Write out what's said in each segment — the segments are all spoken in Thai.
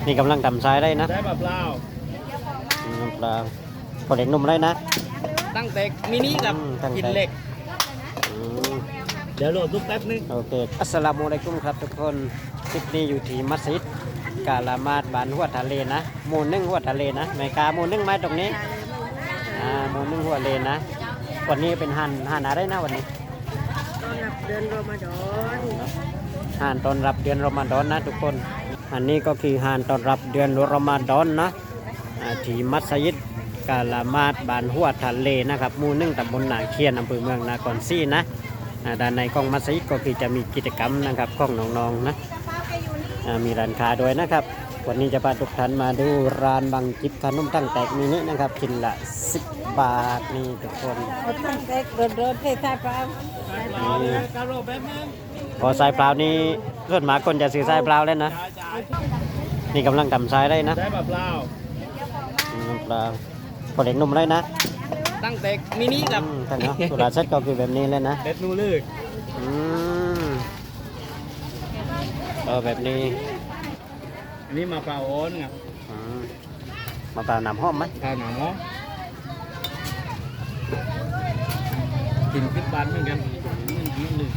นี่กำลังทำทรายได้นะได้แบบเปล่าปลาพอเด็กนุ่มได้นะตั้งแต่มินิกับกินเหล็กเดี๋ยวโหลดลูกแป๊บนึงโอเคอัสสลามุอะลัยกุมครับทุกคนคลิปนี้อยู่ที่มัสยิดกาลามาดบ้านหัวทะเลนะหมู่หนึ่งหัวทะเลนะแม่กาหมู่หนึ่งไม้ตรงนี้หมู่หนึ่งหัวเลนนะวันนี้เป็นหันอะไรนะวันนี้ต้อนรับเดือนรอมฎอนหันต้อนรับเดือนรอมฎอนนะทุกคนอันนี้ก็คือหันต้อนรับเดือนรอมฎอนนะที่มัสยิดกาลามาดบ้านหัวทะเลนะครับหมู่หนึ่งตำบลนาเคียนอำเภอเมืองนครศรีนะด้านในของมัสยิดก็คือจะมีกิจกรรมนะครับของน้องๆนะมีร้านค้าด้วยนะครับวันนี้จะพาทุกท่านมาดูร้านบังจิบขนมตั้งแตกมินินะครับชิ้นละ10 บาทนี่ทุกคนตั้งแต่เดินเทศบาลพอทรายเปล่านี่ส่วนมากคนจะซื้อทรายเปล่าเล่นนะนี่กำลังทำทรายได้นะได้แบบเปล่าเปล่าพอเด็กนุ่มได้นะตั้งแต่มินิกับแต่เนาะสุราเซตก็คือแบบนี้เลยนะเด็ดนูลึกแบบนี้อันนี้มาปลาโอนครับมาปลาหนามห้อมไหมปลาหนามห้อมกินขึ้นบ้านเหมือนกันนึ่ง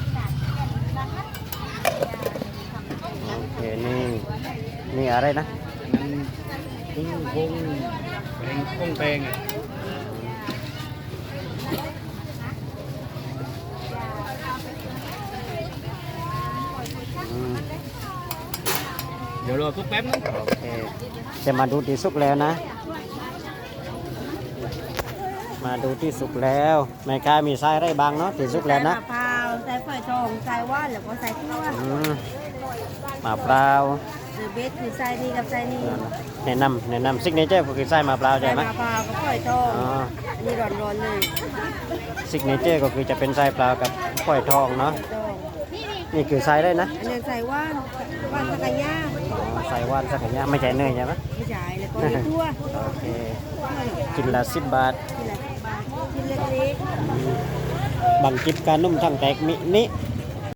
โอเคนี่อะไรนะนั้นกุ้งพงแปงกุ้งแปงอ่ะเดี๋ยวรอทุกแป๊บนึงโอเคจะมาดูที่สุกแล้วนะมาดูที่สุกแล้วแม่ค้ามีไส้อะไรบางเนาะที่สุกแล้วนะมะพร้าวใส่ฝอยทองใส่ว่านหรือว่าใส่ข้าวมะพร้าวเบสคือใส่นี่กับใส่นี่แนะนำซิกเนเจอร์คือไส้มะพร้าวใช่ไหมมะพร้าวกับฝอยทองนี่ร้อนๆเลยซิกเนเจอร์ก็คือจะเป็นไส้ปลากับฝอยทองเนาะนี่คือไส้ได้นะอันนี้ใส่ว่านสักกะยาใส่ว่านสักอย่างไม่ใช่เนยใช่ไหมไม่ใช่แล้วก็มีทั่วโอเคกินละ10 บาทชิ้นเล็กบังจิบการนุ่มทั้งแตกมินิ